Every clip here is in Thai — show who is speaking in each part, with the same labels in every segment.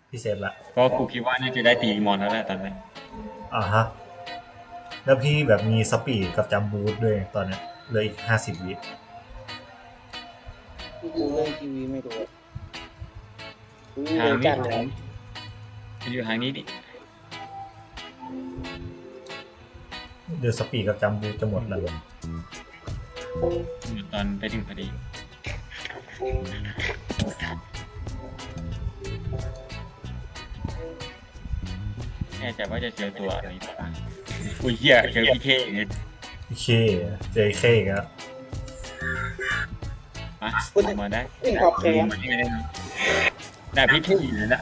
Speaker 1: พี่เซฟละ
Speaker 2: เพราะกูคิดว่าน่าจะได้ตีมอนแล้วแหละตอนนี้
Speaker 1: ฮะแล้วพี่แบบมีสปีดกับจัมบูทด้วยตอนเนี้ยเหลืออีก50 วิ
Speaker 3: ดูเรื่องทีวีไม่รู้วิ่ง
Speaker 2: ทาง
Speaker 3: เร็ว
Speaker 2: นี้
Speaker 3: จัดเลย
Speaker 2: มันอยู่ทางนี้ดิ
Speaker 1: เดี๋ยวสปีดกับจัมบูทจะหมดแล้ว
Speaker 2: ตอนไปถึงพอดีแน่ใจว่าจะเจอตัวอะไรบ้างอุ้ยเหี้ยเจอพี่เคเนี่ย
Speaker 1: พี่เคเจอเคอีกแล้ว
Speaker 2: มามาได้
Speaker 3: วิ่งขอบแขน
Speaker 2: ได้พี่เคอยู่เลยนะ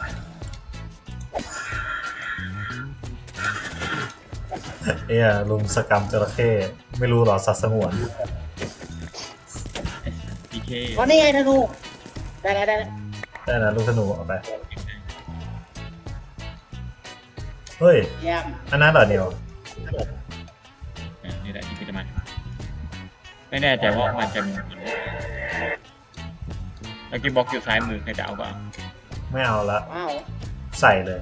Speaker 1: ลุงสกรรมจระเข้ไม่รู้หรอสัตว์สงวน
Speaker 2: พี่เค
Speaker 3: อ๋อนี่ไงธนูได้แล้วได้แล้ว
Speaker 1: ได้นะลูกธนูเอาไปเฮ้ย
Speaker 3: เยี่ยม
Speaker 1: อันนั้นเหรอเนี่ย
Speaker 2: นี่แหละที่กูจะมาไม่แน่ใจว่ามันจะมีแล้วกินบล็อกอยู่ซ้ายมือใครจะเอาบ้าง
Speaker 1: ไม่เอาละ
Speaker 3: ว้าว
Speaker 1: ใส่เลย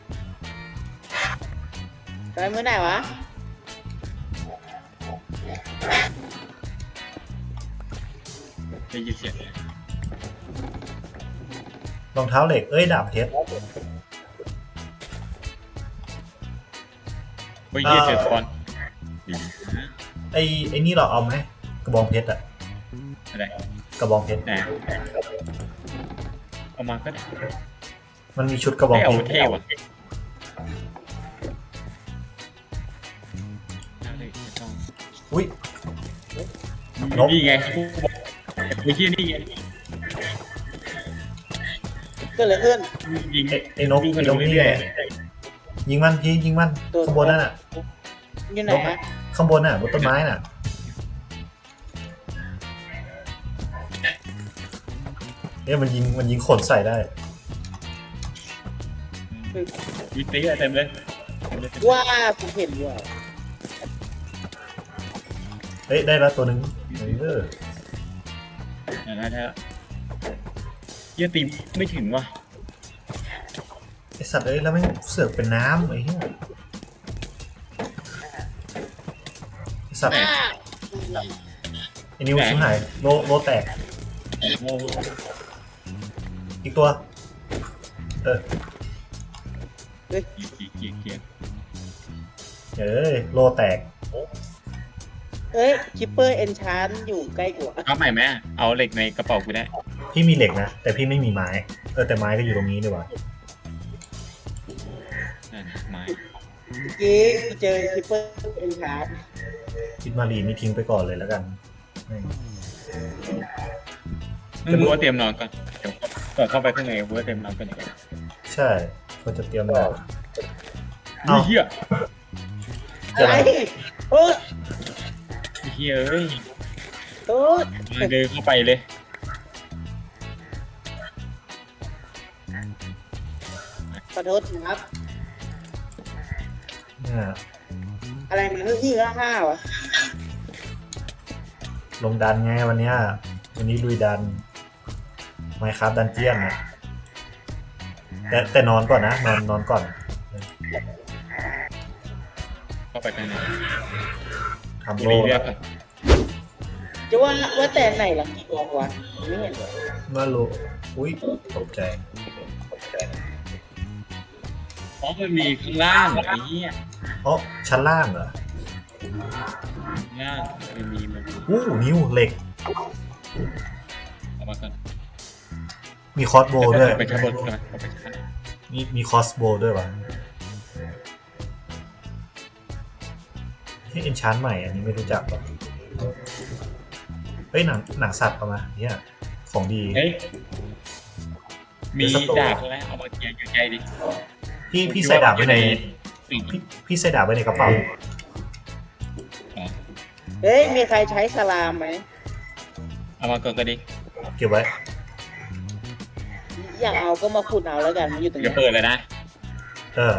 Speaker 3: ไปมือไหนวะ
Speaker 2: ได้ยินเสียง
Speaker 1: รองเท้าเหล็กดาบเพชร
Speaker 2: เฮ้ยเยี่ยเจอสปอน
Speaker 1: ไอ้นี่เราเอาไหมกระบองเพชรอะ
Speaker 2: อะไร
Speaker 1: กระบองเพชร
Speaker 2: ไหนเอามาก็ได้
Speaker 1: มันมีชุดกระบอง
Speaker 2: ไม่เอา
Speaker 1: เพชร
Speaker 2: เท่ว่ะเอาเลยไม่ต้อง
Speaker 1: อุ้ย นก
Speaker 2: นี่ไงกูบอกไอ้เหี้ยนี่ไง
Speaker 3: ก็เลยขึ้น
Speaker 2: ยิง
Speaker 1: ไอ้นกนี่ไงยิงมันพี่ยิงมัน
Speaker 3: ตัว
Speaker 1: ข้างบนนั่นน่ะ
Speaker 3: อยู่ไหนฮะ
Speaker 1: ข้างบนน่ะบนต้นไม้น่ะมันยิงขนใส่ได้
Speaker 2: วิตีเต็มเลย
Speaker 3: ว่าผมเห็นว่า
Speaker 1: ได้แล้วตัวหนึง
Speaker 2: นะเยี่ยตีไม่ถึงว่ะ
Speaker 1: ไอสัตว์แล้วไม่งเสือกเป็นน้ำไอ้เหี้ยไอสัตว์ไอ้นิ้วชิบหายโลแตก
Speaker 2: โอ้โห
Speaker 1: อีกตัว
Speaker 2: เกียร์
Speaker 1: โลแตก
Speaker 3: เฮ้ยคิปเปอร์เอนชานอยู่ใกล้กว่า
Speaker 2: เอาใหม่ไหมเอาเหล็กในกระเป๋ากูได้
Speaker 1: พี่มีเหล็กนะแต่พี่ไม่มีไม้แต่ไม้ก็อยู่ตรงนี้ดีกว่า
Speaker 2: ไม้
Speaker 3: เมื่อกี้กูเจอคิปเปอร์เอนชาน
Speaker 1: คิดมารีนี่ทิ้งไปก่อนเลยแล้วกันแม่ง
Speaker 2: มึงรู้ว่าเตรียมนอนก่อนเดี๋ยวก่อนเข้าไปข้างในกูว่าเตรียมนอนก่อนดีกว่า
Speaker 1: ใช่เขาจะเตรียมนอน
Speaker 2: เฮีย
Speaker 3: อะไรโอ้
Speaker 2: เฮียเอ้ย
Speaker 3: โอ้
Speaker 2: เดินเข้าไปเลย
Speaker 3: ขอโทษครับ
Speaker 1: เนี่ย
Speaker 3: อะไรมันที่ห้าวะ
Speaker 1: ลงดันไงวันนี้ลุยดันไมค์ครับดันเจียนนะแต่นอนก่อนนะนอนก่อน
Speaker 2: เข้าไปข้างใน
Speaker 1: ทำ
Speaker 2: มี
Speaker 1: โล
Speaker 2: เรื่อง
Speaker 3: จะว่าแต่ไหนหลังกี่กองวะไม่เห็นเลย
Speaker 1: มาโลอุ้ยตกใจ
Speaker 2: เพราะมันมีข้างล่างไอ้เหี้ย
Speaker 1: ชั้นล่างเหรอ
Speaker 2: ล่างมันมี
Speaker 1: นิ้วเหล็ก
Speaker 2: เอามาก่อน
Speaker 1: มีคอสโบด้วย
Speaker 2: ไปชั้นบนใช่ไหมเอาไปชั้น
Speaker 1: มีคอสโบด้วยวะที่เอนชานใหม่อันนี้ไม่รู้จักหรอกหนังสัตว์เอามาเนี่ยของดี
Speaker 2: เฮ้ยมีดาบใช่ไหมเอามาเกียร์อยู่ใจดิ
Speaker 1: พี่ใส่ดาบไว้ในพี่ใส่ดาบไว้ในกระเป๋า
Speaker 3: เฮ้ยมีใครใช้สลามไหม
Speaker 2: เอามาก่อนก็ดี
Speaker 1: เก็บไว้
Speaker 3: อยากเอาก็มาขุดเอาแล้วกันมันอยู่ตรง
Speaker 2: อย่า
Speaker 3: นี้
Speaker 2: เปิดเลยนะ
Speaker 1: เออ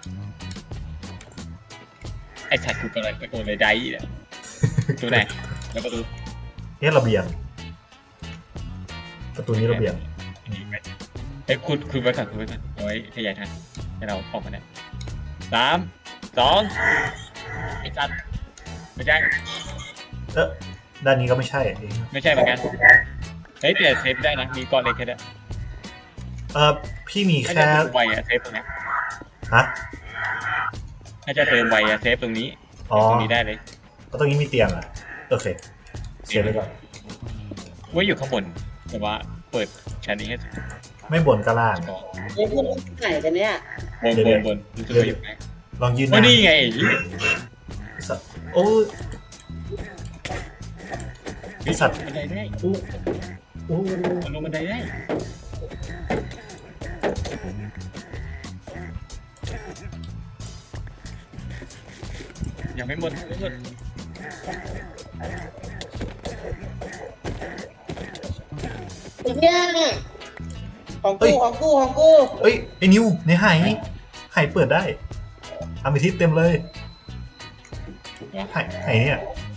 Speaker 2: ไอ้สัตว์กูเป็นอะไรตะโกนเลยได้เนี่ยตัวไหนแล้วประตู
Speaker 1: ระเบียงประตูนี้ระเบียง
Speaker 2: ไปอ้ยคุณไปก่อนเอาไว้ขยายทันให้เราออกมาได้3 2ไอ้จัดไม่ใช่
Speaker 1: ด้านนี้ก็ไม่ใช่
Speaker 2: ไม่ใช่เหมือนกันเฮ้ยแต่เซฟได้นะมีก้อนเล็กแค่นั้น
Speaker 1: พี่มี
Speaker 2: ถ้า
Speaker 1: แค่
Speaker 2: จะเติมไวอะเซฟตรงนี้
Speaker 1: ฮะ
Speaker 2: ถ้าจะเติมไวอะเซฟตรงนี้
Speaker 1: อ๋อ
Speaker 2: ตรงนี้ได้เลย
Speaker 1: ก็ตรงนี้มีเตียงอ่ะโอเคเสียไปก่อน
Speaker 2: ว่าอยู่ข้างบนแต่ว่าเปิดชั้นนี้ให้
Speaker 1: ไม่บนก็ล่าง
Speaker 2: พอ
Speaker 3: ไอ้พวกไหนกันเนี่ย
Speaker 2: บนรู้สึกว่าอยู่ไหน
Speaker 1: ลองยืนห
Speaker 2: ว่า
Speaker 1: น้า
Speaker 2: นี่ไง
Speaker 1: สัตว์โอ้ย ไอ้สัตว์
Speaker 2: บันไดได้
Speaker 1: อู้อู้
Speaker 2: มันลงบันไดได้ยังไม่หมด
Speaker 3: ไอ้เนี่ยของกู
Speaker 1: เอ้ยไอ้นิวในหายเปิดได้อามิทิสเต็มเลยหายเนี่ย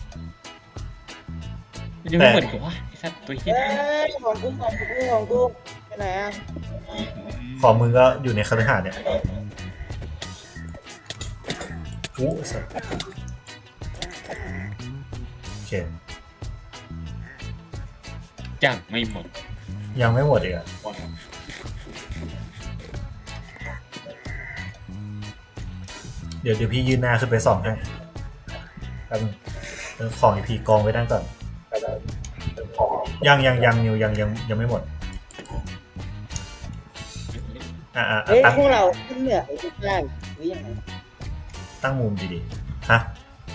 Speaker 2: มันยังไม่หมดอีกวะไอ้สัตว์ตัวเหี้ย
Speaker 3: เอ้ยของกูไปไหนอ่ะ
Speaker 1: ของมึงก็อยู่ในคฤหาสน์เนี่ยอู้สัตว์โอเค
Speaker 2: จังไม่หมด
Speaker 1: ยังไม่หมดอีกอ่ะเดี๋ยวพี่ยืนหน้าขึ้นไปส่องให้แป๊บนึงของอีพีกองไว้ด้านก่อนยังนิวยังไม่หมด
Speaker 3: เฮ้ย
Speaker 1: ตั้ง
Speaker 3: พวกเราขึ้นเหนือไอ้ทุกอย่างหรือยังไง
Speaker 1: ตั้งมุมดีๆฮะ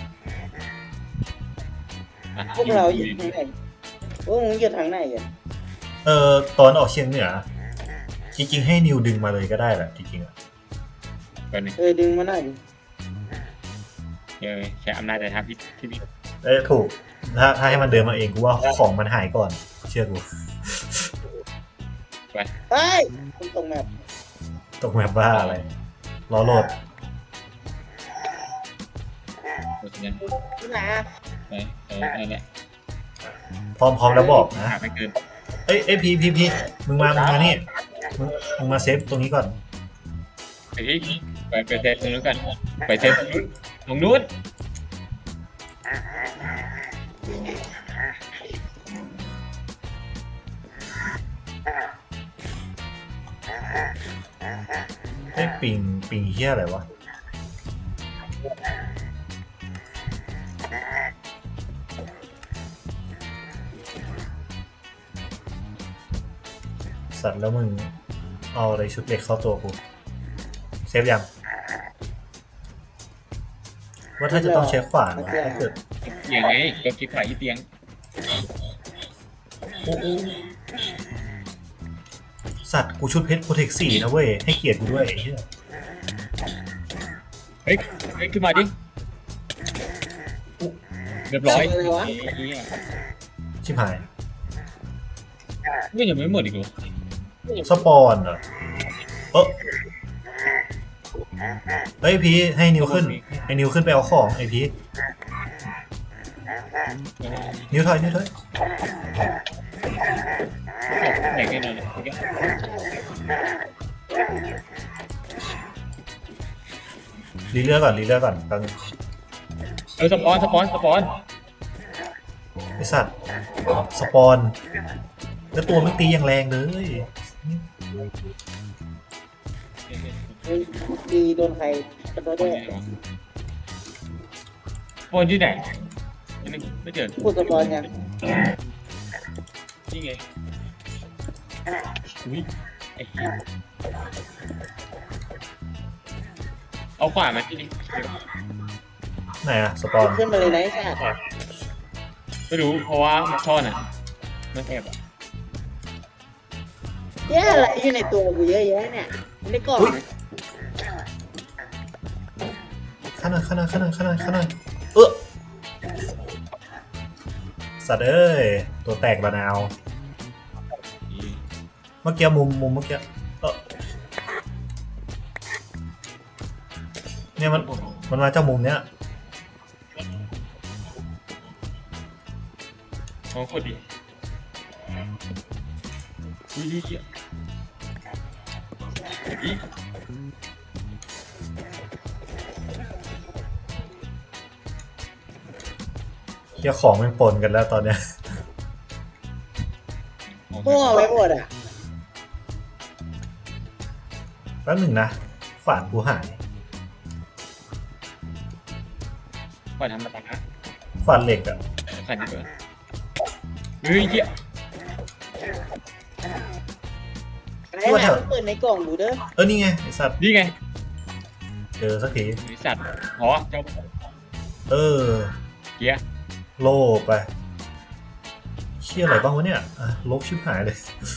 Speaker 3: พวกเราอยู่ทางไหนพวกมึงอยู่ทางไหนกัน
Speaker 1: ตอนออกเชียงเหนือจริงๆให้นิวดึงมาเลยก็ได้แหละจริงๆอ่ะ
Speaker 2: แบบนี้
Speaker 3: ดึงมาหน่อยดิ
Speaker 2: ใช้อำนาจแต่ทางที่นี่
Speaker 1: ถูกถ้าให้มันเดินมาเองกูว่าของมันหายก่อนเชื่อกู
Speaker 3: เฮ้ยคุณตรงแบบ
Speaker 1: ตกแบบบ้าอะไรรอโหลด
Speaker 2: เพราะฉะนั้น
Speaker 3: ที่ไหนอ่ะ
Speaker 2: ไปนั่นแหละ
Speaker 1: พร้อมแล้วบอกนะ
Speaker 2: หาไม่เกิน
Speaker 1: เอ้ยพีมึงมานี่มึงมาเซฟตรงนี้ก่อน
Speaker 2: ไปที่ไปเซฟตรงนู้นกันไปเซฟตรงนู้น
Speaker 1: ปิงเฮี้ยอะไรวะสัตว์แล้วมึงเอาอะไรชุดเหล็กเข้าตัวกูเซฟยังว่าถ้าจะต้องใช้ขวานนะถ้าเกิด
Speaker 2: เตียงไงก็คิดฝ่ายที่เตียง
Speaker 1: สัตว์กูชุดเพชรโปรเทค4นะเว้ยให้เกียรติกูด้วยไอ้เหี้ย
Speaker 2: เฮ้ยขึ้นมาดิเรียบร้อย
Speaker 1: ชิบหาย
Speaker 2: ไม่ยังไม่หมดอีกเหรอ
Speaker 1: สปอนเหรอเฮ้ยพีให้นิวขึ้นไปเอาของไอพีนิวถอย
Speaker 2: ไหนกันเลย
Speaker 1: รีเลือกก่อนแป๊บนึง
Speaker 2: สปอน
Speaker 1: ไอสัตว์สปอนแล้วตัวมันตีอย่างแรงเลย
Speaker 3: ตีโดนใครกระโดดได้
Speaker 2: สปอนที่ไหนไม่เจอ
Speaker 3: พูดสปอนยัง
Speaker 2: นี่ไงอุ้ยไอ้เอาขวานมาที่นี่
Speaker 1: ไหนอะสปอน
Speaker 3: ขึ้นมาเลยนะไอ้สัตว์
Speaker 2: ไม่รู้เพราะว่ามันซ่อนอ่ะมันแอบอ่ะ
Speaker 3: แย่อะไรอยู่ในตัวกูเยอะแยะเนี่ยในกล่อง
Speaker 1: ข้างหน้าสัตว์เอ้ยตัวแตกบานาวเมื่อกี้มุมเมื่อกี้เนี่ยมันมาจากมุมเนี้ย
Speaker 2: ของคนดีอุ้ยอี
Speaker 1: เฮียของมันปนกันแล้วตอนเนี้ย
Speaker 3: พวกเอาไว้หมดอ่ะ
Speaker 1: แป๊บหนึ่งนะฝานกูหาย
Speaker 2: ก่อนทำมาตา
Speaker 1: ฝานเหล็กอะ
Speaker 2: ขันดีกว่าเฮ้ยเหี้ย
Speaker 3: อะไรนะเปิดในกล่องดูเด้อ
Speaker 1: นี่ไงไอสัตว์
Speaker 2: นี่ไง
Speaker 1: เจอสักที
Speaker 2: บริษัทอ๋อเจ้า เกียร์
Speaker 1: โล่ไปเชี่ยอะไรบ้างวะเนี่ยลบชิบหายเลย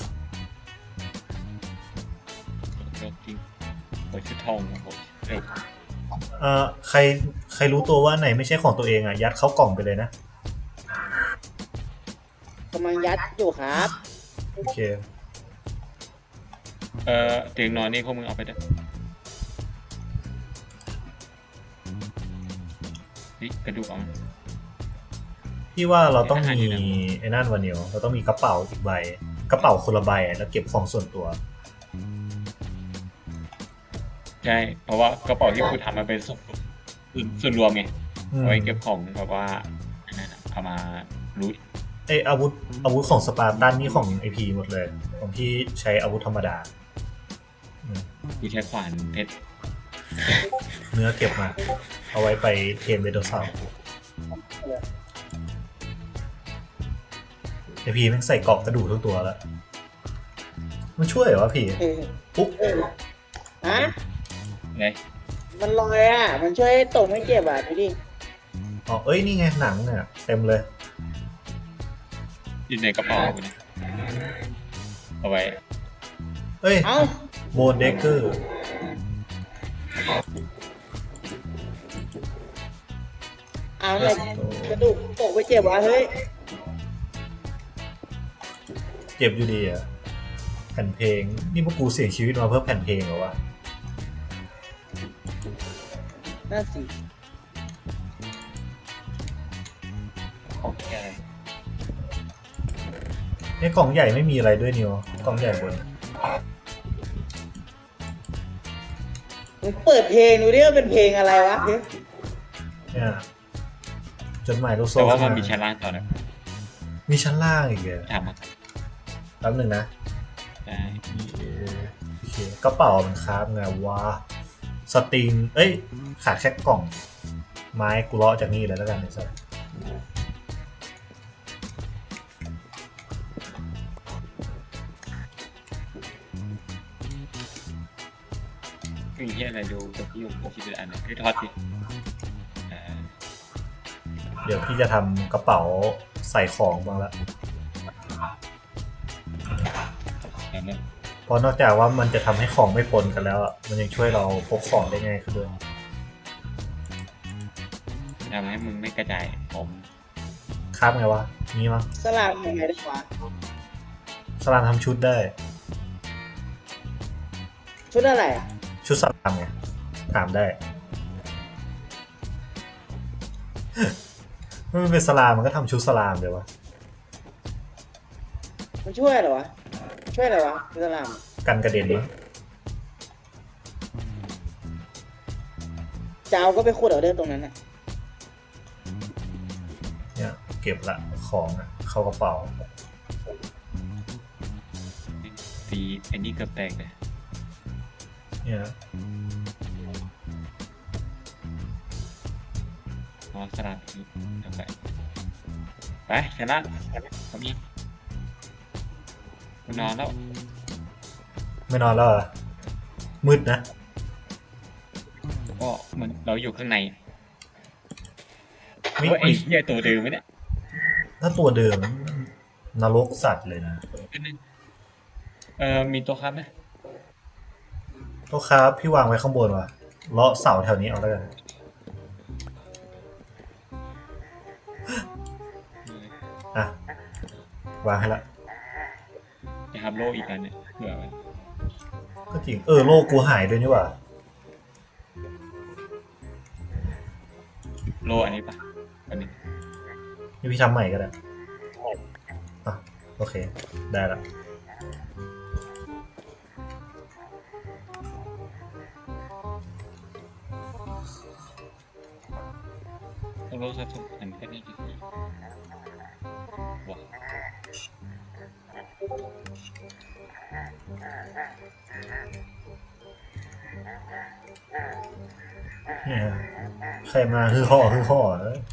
Speaker 2: จริงโอ้ยชุดทองโอ้ยเร็ว
Speaker 1: ใครรู้ตัวว่าไหนไม่ใช่ของตัวเองอ่ะยัดเข้ากล่องไปเลยนะ
Speaker 3: กำลังยัดอยู่ครับ
Speaker 1: โอเค
Speaker 2: เตียงนอนนี่พวกมึงเอาไปเด้อนี่กระดูกเอา
Speaker 1: พี่ว่าเราต้องมี
Speaker 2: อาหารดีนะ
Speaker 1: ไอ้นั่นวันเดียวเราต้องมีกระเป๋าอีกใบกระเป๋าคนละใบแล้วเก็บของส่วนตัว
Speaker 2: ใช่เพราะว่ากระเป๋าที่กูทำมันเป็นส่วนรวมไงเอาไว้เก็บของแบบว่าอันนั้นอะเอามารูท
Speaker 1: ไออาวุธของสปาร์ตันนี่ของไอพีหมดเลยของพี่ใช้อาวุธธรรมดา
Speaker 2: กูใช้ขวานเพชร
Speaker 1: เนื้อเก็บมา เอาไว้ไปเทรนเวโดเซาไอพีแม่งใส่เกราะกระดูกทั้งตัวแล้ว มันช่วยเหรอวะพี่ ปุ๊บ
Speaker 3: ฮะ
Speaker 2: ไง
Speaker 3: มันลอยอ่ะ มันช่วยให้ตกไม่เจ็บอ่ะดูดิ
Speaker 1: อ๋อเอ้ยนี่ไงหนังเนี่ยเต็มเลย
Speaker 2: อยู่ในกระเป๋ากูเนี่ยเอาไว้
Speaker 1: เอ้ย
Speaker 3: เอ้า
Speaker 1: โบนเดกเกอร์
Speaker 3: เอาอะไรกระดูกตกไม่เจ็บวะเฮ้ย
Speaker 1: เจ็บอยู่ดีอ่ะแผ่นเพลงนี่พวกกูเสี่ยงชีวิตมาเพื่อแผ่นเพลงเหรอวะ
Speaker 3: น่าสิ
Speaker 2: ของแก
Speaker 1: ในกล่องใหญ่ไม่มีอะไรด้วยนิวกล่องใหญ่บน
Speaker 3: มึงเปิดเพลงดูดิว่าเป็นเพลงอะไรวะเฮ้ย
Speaker 1: เนี่ยจดหมายลูกโซ่
Speaker 2: แต่ว่ามันมีชั้นล่างต่อนะ
Speaker 1: มีชั้นล่างอีกเหรอ
Speaker 2: ทำมา
Speaker 1: แป๊บหนึ่งนะ
Speaker 2: ได้
Speaker 1: โอเคกระเป๋ามันครับไงวะสตริงเอ้ยขาดแค่กล่อง ไม้กูเลาะจากนี่เลยแล้วกันไอ้สัส
Speaker 2: มีที่อะไรดูกับพี่อยู่ที่เป็นอันนึงคือทอดสิ
Speaker 1: เดี๋ยวพี่จะทำกระเป๋าใส่ของบ้างละ
Speaker 2: อันนั้น
Speaker 1: เพราะนอกจากว่ามันจะทำให้ของไม่ปนกันแล้วอะมันยังช่วยเราพกของได้ง่ายขึ้นด้วย
Speaker 2: ทำให้มึงไม่กระจายผม
Speaker 1: ครับไงวะนี่มั้ง
Speaker 3: สลามยังไงได้วะ
Speaker 1: สลามทำชุดได้
Speaker 3: ชุดอะไรอ่ะ
Speaker 1: ชุดสลามไงถามได้ เมื่อมันเป็นสลามมันก็ทำชุดสลามเลยวะ
Speaker 3: มันช่วยเหรอวะ ช่วยอะไรวะสลาม
Speaker 1: กันกระเด็นมั้ง
Speaker 3: จะเอาก็ไปขุดเอาเด้อตรงนั้นอ่ะ
Speaker 1: เนี่ยเก็บละของอะเข้ากระเป๋า
Speaker 2: ตีไอ้นี่เกือบแตกเลย
Speaker 1: เนี่ย
Speaker 2: นอนสลับอีกเดี๋ยวไปชนะทำยังกูนอนแล้ว
Speaker 1: ไม่นอนแล้วเหรอมืดนะ
Speaker 2: ก็เหมือนเราอยู่ข้างใน
Speaker 1: มี
Speaker 2: ว่าไอ้เหี้ยตัวเดิมไหมเนี่ย
Speaker 1: ถ้าตัวเดิมนรกสัตว์เลยนะ
Speaker 2: มีตัวครับไหม
Speaker 1: โต๊ะครับพี่วางไว้ข้างบนว่ะเลาะเสาแถวนี้เอาแล้วกัน อ่ะ วางให้ละ
Speaker 2: จะทำโลอีกอันเนี่ยเผื่อไว้
Speaker 1: ก็จริงโลกกูหายด้วยนี่หว่า
Speaker 2: โลอันนี้ปะอันนี้
Speaker 1: นี่พี่ทำใหม่ก็ได้อ่ะโอเค ได้ละ
Speaker 2: ต้องรู้สักทุกอันแค่นี้ดีว้าว
Speaker 1: เนี่ยใครมาคือห่อเอ้ย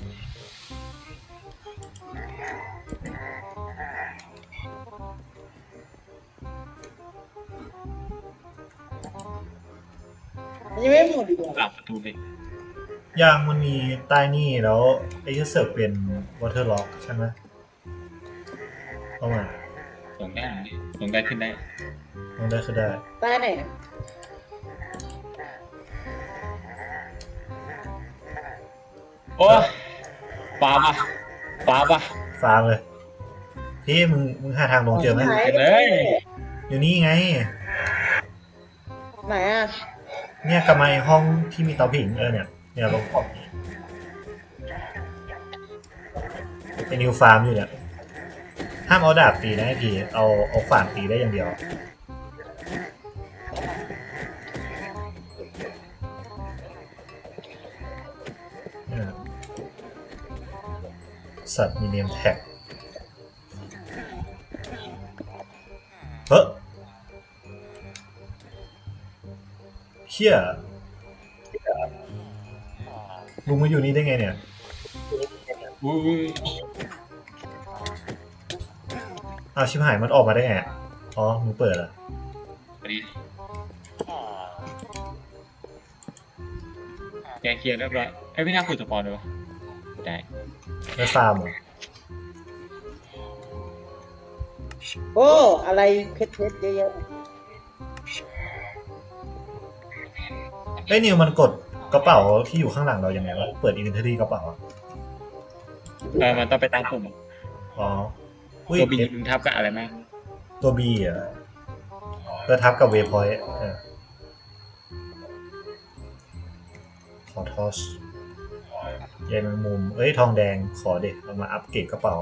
Speaker 3: มันยังไม่หมดอีกเหรอ
Speaker 2: ปรับประตูเลย
Speaker 1: ยางมันมีใต้นี่แล้วไอ้ที่เสิร์ฟเป็นวอเตอร์ล็อกใช่ไหมเอามา
Speaker 2: ลงได้ลงได้ขึ้นได้
Speaker 1: ลงได้คือได้
Speaker 3: ใต้ไหนอะ
Speaker 2: โอ้ฟ้าปะฟ้าปะ
Speaker 1: ฟาร์มเลยพี่มึงหาทางลงเจอไหม
Speaker 3: หาย
Speaker 2: เลย
Speaker 1: อยู่นี่ไง
Speaker 3: ไหนอ่ะ
Speaker 1: เนี่ยกลับมาไอ้ห้องที่มีเตาผิงเนี่ยลงขอบนี้ไอ้นิวฟาร์มอยู่เนี่ยห้ามเอาดาบตีนะไอ้พี่เอาขวานตีได้อย่างเดียวเนี่ยสัตว์มีเนมแท็กเฮ้ยเชี่ยลุงมาอยู่นี่ได้ไงเนี่ย
Speaker 2: อุ้ย
Speaker 1: อ้าวชิบหายมันออกมาได้ไงอ๋อมึงเปิดเหรอ
Speaker 2: พอดีแกเคลียร์เรียบร้อยไอ้พี่น่าคุยสปอนเลยวะได้
Speaker 1: ไม่ฟาร์มเหรอ
Speaker 3: โอ้อะไรเพชรเยอะ
Speaker 1: เอ้ยนิวมันกดกระเป๋าที่อยู่ข้างหลังเรายังไงวะเปิดอินเวนทอรี่กระเป๋าอะ
Speaker 2: มันต้องไปตามปุ่ม
Speaker 1: อ๋ออุ้ย
Speaker 2: ตัวบีมึงทับกับอะไรไหม
Speaker 1: ตัวบีอ่ะเพื่อทับกับเวพอยต์ขอทอสใยแมงมุมเอ้ยทองแดงขอเด็กเอามาอัปเกรดกระเป๋า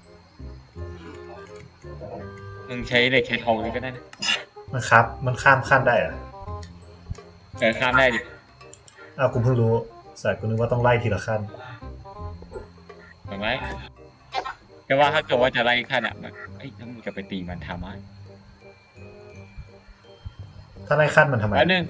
Speaker 2: มึงใช้เหล็กใช้ทองเลยก็ได้นะ
Speaker 1: มันครับมันข้ามขั้นได้เหรอะ
Speaker 2: ข้ามได้ดิ
Speaker 1: อ้าวกูเพิ่งรู้สายกูนึกว่าต้องไล่ทีละขั้น
Speaker 2: ถูกไหมแต่ว่าถ้าเกิดว่าจะไล่ขั้นอ่ะมันถ้ามึงจะไปตีมันทำไม
Speaker 1: ถ้าไล่ขั้นมันทำไม
Speaker 2: อันนึง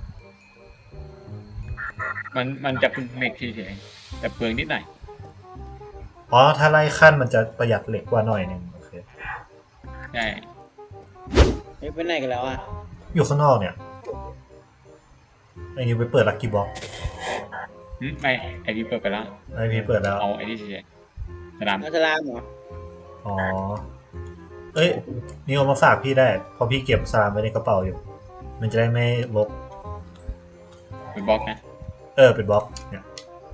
Speaker 2: มันจะเป็นเหล็กเฉยๆแต่เปลืองนิดหน่อย
Speaker 1: อ๋อถ้าไล่ขั้นมันจะประหยัดเหล็กกว่าหน่อยหนึงโอเค
Speaker 2: ใช่
Speaker 3: ๆไปไหนกันแล้วอ่ะ
Speaker 1: อยู่ข้างนอกเนี่ยไอ้นิวไปเปิดลักกี้บ็อก
Speaker 2: ไม่ไอ้นี่เปิดไปแล้ว
Speaker 1: ไอ้พี่เปิดแล้ว
Speaker 2: เอาไอ้นี่เฉยๆสนาม
Speaker 3: อัสลามเหรอ
Speaker 1: อ๋อ เอ้ยนี่เอามาฝากพี่ได้เพราะพี่เก็บสลามไว้ในกระเป๋าอยู่ มันจะได้ไม่ลบ
Speaker 2: เป็นบล็อกนะ
Speaker 1: เป็นบล็อกเนี่ย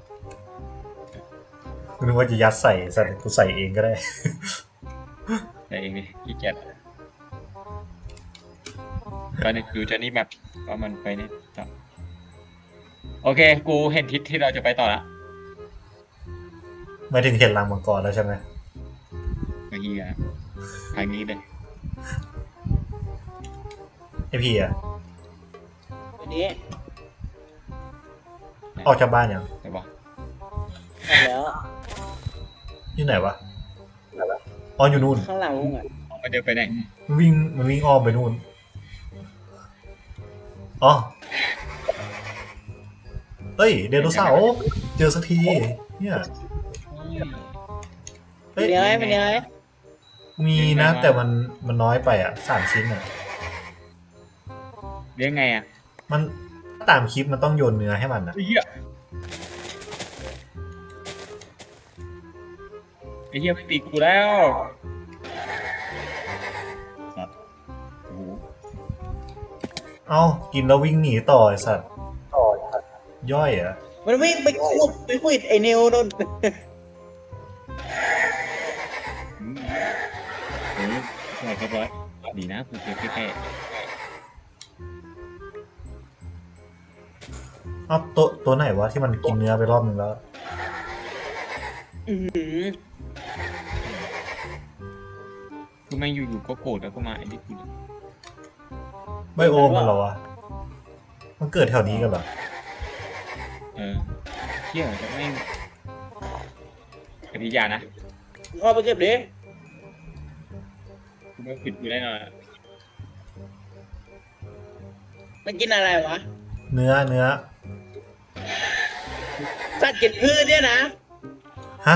Speaker 1: กูนึกว่าจะยัดใส่สัตว์กูใส่เองก็ได้
Speaker 2: แต่เองดิขี้เกียจตอนนี้ดูจะนี่แบบว่ามันไปเนี่ยต่อโอเค กูเห็นทิศที่เราจะไปต่อละ
Speaker 1: ไม่ถึงเห็นรังมังกรแล้วใช่ไหม
Speaker 2: เมื่อกี้อะทางนี้เลย
Speaker 1: ไอพี่อะ
Speaker 3: วันนี้
Speaker 1: ออกจากบ้านยัง
Speaker 2: แต่ว่า
Speaker 3: ออกแล้ว
Speaker 1: อยู่ไหนวะอ๋ออยู่นู่น
Speaker 3: ข้างหลังลุงอ่ะ
Speaker 2: มันเดินไปไหน
Speaker 1: มันวิ่งอ้อมไปนู่นอ๋อเฮ้ยเดโนเสาร์เจอสักทีเนี่ยเฮ้ย
Speaker 3: เป็นยังไงเป็นยังไง
Speaker 1: มีนะ แต่มันน้อยไปอ่ะ3 ชิ้นอ่ะ
Speaker 2: เลี้ยงไงอ่ะ
Speaker 1: มันตามคลิปมันต้องโยนเนื้อให้มันนะ
Speaker 2: ไอ้เหี้ยไอ้เหี้ยไม่ตีกูแล้วสัตว์โอ้โห
Speaker 1: เอ้ากินแล้ววิ่งหนีต่อไอสัตว์ย่อยเหรอ่ะ
Speaker 3: มันวิ่งไปขุดไอ้นิวนู่น
Speaker 2: อืมเรียบร้อยดีนะกูเจอแค่
Speaker 1: เอ้าตัวไหนวะที่มันกินเนื้อไปรอบนึงแล้ว
Speaker 3: อื้อหือ
Speaker 2: คือแม่งอยู่ๆก็โกรธแล้วก็มาไอ้นี่กูเลย
Speaker 1: ไบโอมมันเหรอวะมันเกิดแถวนี้กันเหรอ
Speaker 2: เออเหี้ยแต่แม่งที่ยานะ
Speaker 3: เข้าไปเก็บดิ
Speaker 2: กูไม่ผิดกูแน่นอน
Speaker 3: มันกินอะไรวะ
Speaker 1: เนื้อ
Speaker 3: สัตว์กินพืชเนี่ยนะ
Speaker 1: ฮะ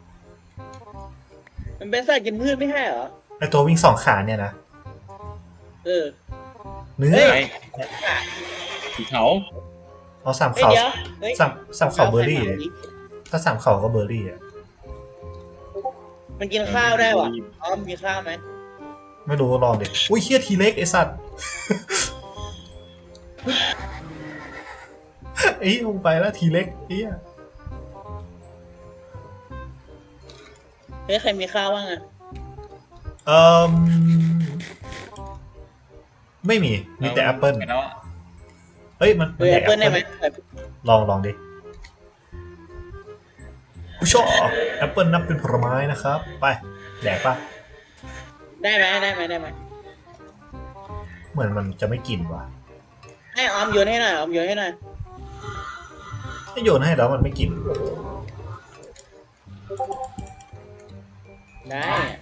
Speaker 3: มันเป็นสัตว์กินพืชไม่ใช่เหรอ
Speaker 1: ไอตัววิ่ง2 ขาเนี่ยนะ
Speaker 3: เออ
Speaker 1: เนื้อ
Speaker 3: เฮ้ย
Speaker 2: ไปสีเขา
Speaker 1: เอา3
Speaker 3: เฮ้ย
Speaker 1: เขา
Speaker 3: เดี๋ยวเฮ้ย
Speaker 1: สามเขาเบอร์รี่เลยถ้า3 เขาก็เบอร์รี่อ่ะ
Speaker 3: มันกินข้าวได้วะอ๋อมีข้าวไหม
Speaker 1: ไม่รู้ลองดิอุ้ยเฮียทีเล็กไอสัตว์ ไอ้ลงไปแล้วทีเล็กเฮีย
Speaker 3: เฮ้ยใครมีข้าวบ้างอะ
Speaker 1: เอ่มไม่มีแต่แอปเปิล
Speaker 2: แล้ว
Speaker 1: เฮ้ยมัน
Speaker 3: เออแอปเปิ้ลได้ไหม
Speaker 1: ลองดิผู้ชอบแอปเปิลนับเป็นผลไม้นะครับ ไปแดกปะ
Speaker 3: ได้ไหม
Speaker 1: เหมือนมันจะไม่กินว่ะ
Speaker 3: ให้ออมโยนให้หน่อย
Speaker 1: ถ้าโยนให้แล้วมันไม่กิน
Speaker 3: ได้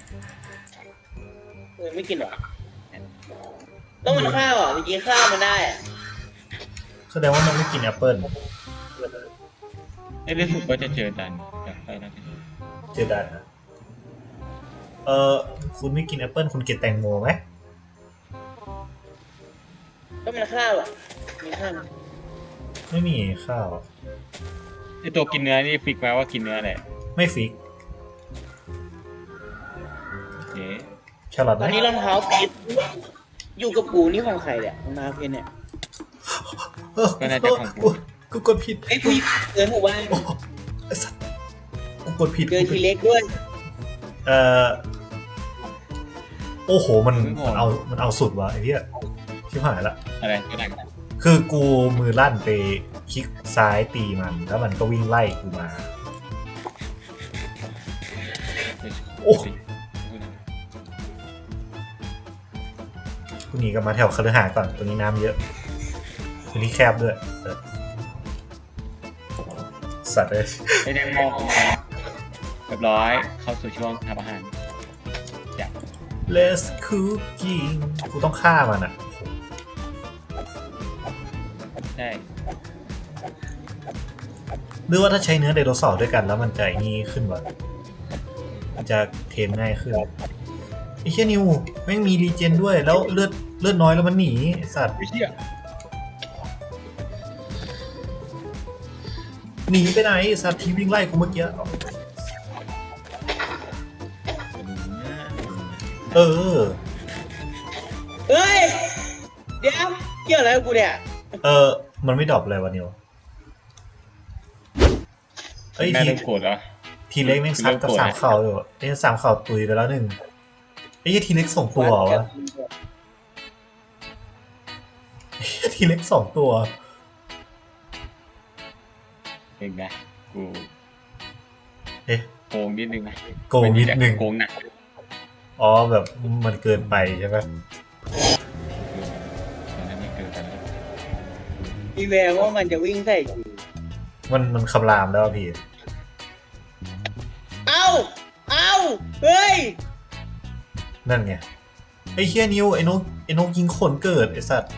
Speaker 3: เออไม่กินหรอต้องมันข้าวอ่ะจริงๆข้าวมันได้อะ
Speaker 1: แสดงว่ามันไม่กินแอปเปิล
Speaker 2: ไอ้รู้สึกว่าจะเจอดันจากไปนะ
Speaker 1: เจอดันนะคุณไม่กินแอปเปิลคุณกินแตงโมไหม
Speaker 3: ก็มันข้าวอ่ะมีข้าวไหม
Speaker 1: ไม่มีข้าว
Speaker 2: ไอ้ตัวกินเนื้อนี่ฟิกมาว่ากินเนื้อแหละ
Speaker 1: ไม่ฟิก
Speaker 2: โอเค
Speaker 1: แครอท
Speaker 3: ต
Speaker 1: ไหม
Speaker 3: อนนี้รองเท้าปิดอยู่กับกูนี่ของใครเนี่ยรองเท้าเพชรเนี่ย
Speaker 2: ก็น่าจะของกู
Speaker 1: กูกดผิด
Speaker 3: ไอ้ผู้หญิงเดินหมู่บ้าน
Speaker 1: โอ้ไอ้สัสกูกดผิด
Speaker 3: เจอทีเล็กด้วย
Speaker 1: เอ่อโอ้โหมันเอาสุดว่ะไอ้เหี้ยชิบหายละ
Speaker 2: อะไรก็ได้ก็ได้
Speaker 1: คือกูมือลั่นไปคลิกซ้ายตีมันแล้วมันก็วิ่งไล่กูมา โอ้ กูหนีกลับมาแถวคฤหาสน์ก่อนตรงนี้น้ำเยอะตรงนี้แคบด้วยสัตว์เลย
Speaker 2: ไอ้แดงมองเรียบร้อยเข้าสู่ช่วงทำอาหารอยาก
Speaker 1: Let's cooking กูต้องฆ่ามันอ่ะ
Speaker 2: ได้
Speaker 1: หรือว่าถ้าใช้เนื้อไดโนเสาร์ด้วยกันแล้วมันจะไอ้นี่ขึ้นวะมันจะเทรนง่ายขึ้นไอ้เชี่ยนิวแม่งมีรีเจนด้วยแล้วเลือดน้อยแล้วมันหนีไอ้สัตว์
Speaker 2: ไม่เชี่ย
Speaker 1: หนีไปไหนไอ้สัตว์ที่วิ่งไล่กูเมื่อกี้เออ
Speaker 3: เฮ้ยเดี๋ยวเกี่ยวอะไรกับกูเนี่ย
Speaker 1: มันไม่ดรอปเลยวะนิวเอ้ย
Speaker 2: แม่เริ่มโกรธแล้ว
Speaker 1: ทีเล็กแม่งซัดกับ3 เข่าอยู่ไอ้3 เข่าตุยไปแล้ว1ไอ้ทีเล็ก2 ตัวเหรอวะไอ้ทีเล็ก2 ตัว
Speaker 2: เองนะกู
Speaker 1: เอ๊ะ
Speaker 2: โกงนิดนึงนะ
Speaker 1: โกงนิดนึง
Speaker 2: โกงหนัก
Speaker 1: อ๋อแบบมันเกินไปใช่ไหม
Speaker 2: มันนั่นนี่เกินไปแล้ว
Speaker 3: มีแววว่ามันจะวิ่งใส่กู
Speaker 1: มันคำรามแล้วอะพี่
Speaker 3: เอ้าเฮ้ย
Speaker 1: นั่นไงไอ้เฮียนิวไอ้นกยิงขนเกิดไอ้สัตว์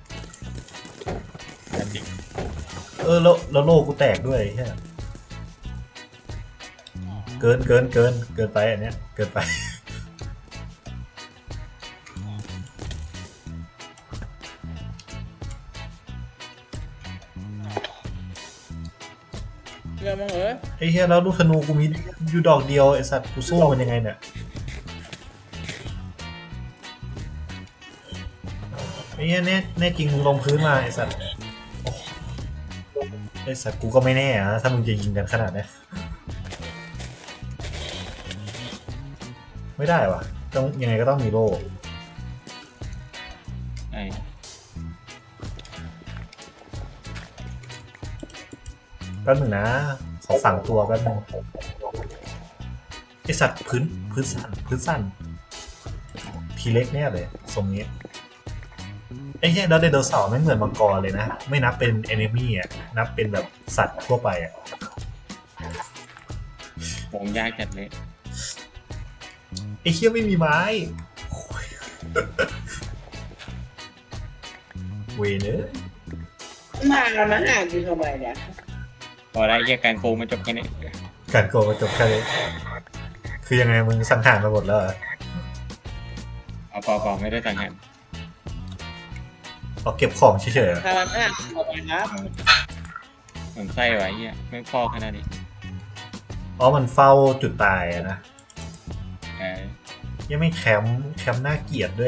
Speaker 2: นั่นจริง
Speaker 1: แล้วโลกูแตกด้วยไอ้เฮียเกินไปอันเนี้ยเกินไป
Speaker 3: เรื่องมึงเหรอ
Speaker 1: ไอ้เฮียแล้วลูกธนูกูมีอยู่ดอกเดียวไอ้สัตว์กูสู้มันยังไงเนี่ยไอ้เฮียแน่จริงมึงลงพื้นมาไอ้สัตว์โอ้ไอ้สัตว์กูก็ไม่แน่อะถ้ามึงจะยิงกันขนาดนี้ไม่ได้วะต้องยังไงก็ต้องมีโล่
Speaker 2: ไอ้
Speaker 1: แป๊บหนึ่งนะขอฝังตัวแป๊บหนึงไอสัตว์พื้นสั้นทีเล็กแน่เลยทรงนี้ไอ้เหี้ยแล้วไดโนเสาร์ไม่เหมือนมังกรเลยนะไม่นับเป็นเอนิมี่อ่ะนับเป็นแบบสัตว์ทั่วไปอ่ะ
Speaker 2: วงยากจัดเลย
Speaker 1: ไอ้เคี้ยไม่มีไม้โอ้ยเวเนอร์
Speaker 3: มาหากูทำไมเนี่ย
Speaker 2: พอได้แยกการโกงมันจบแค่นี้
Speaker 1: การโกงมาจบแค่นี้คือยังไงมึงสังหารมาหมดแล้วเหรอ
Speaker 2: เอาพอไม่ได้สังหาร
Speaker 1: เอาเก็บของเฉยๆเหรอ
Speaker 3: ทำหาทำไมครับ
Speaker 2: เหมือนไส้ไว้เหี้ยไม่พอขนาดนี้
Speaker 1: อ๋อมันเฝ้าจุดตายอะนะ
Speaker 2: เออ
Speaker 1: ยังไม่แคมป์น่าเกลียดด้วย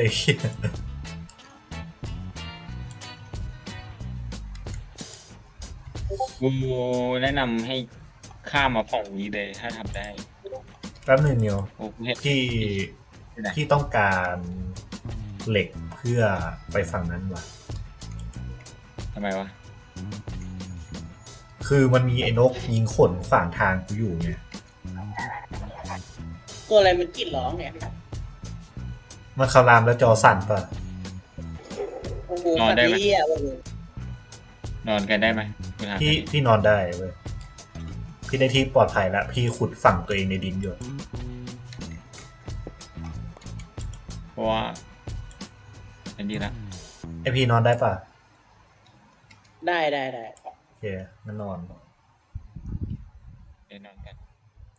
Speaker 2: กูแนะนำให้ข้ามมาฝั่งนี้เลยถ้าทำได้
Speaker 1: แป๊บหนึงนิว
Speaker 2: โอ้กูเห็น
Speaker 1: ที่
Speaker 2: ที่ไหน
Speaker 1: ที่ต้องการเหล็กเพื่อไปฝั่งนั้นว่ะ
Speaker 2: ทำไมวะ
Speaker 1: คือมันมีไอ้นกยิงขนขวางทางกูอยู่ไง
Speaker 3: ตัวอะไรมันกรีดร้องเนี่ย
Speaker 1: มันคารามแล้วจอสั่นป่ะ
Speaker 3: โอ้โหสัตว์เลี้ยโอ้โห
Speaker 2: นอนกันได้ไหมกูถาม
Speaker 1: พี่นอนได้เว้ยพี่ได้ที่ปลอดภัยแล้วพี่ขุดฝั่งตัวเองในดินอยู่
Speaker 2: เพราะว่าอันนี้ละ
Speaker 1: ไอพี่นอนได้ป่ะ
Speaker 3: ได้
Speaker 1: โอเคงั้นนอน
Speaker 2: เดี๋ยวนอน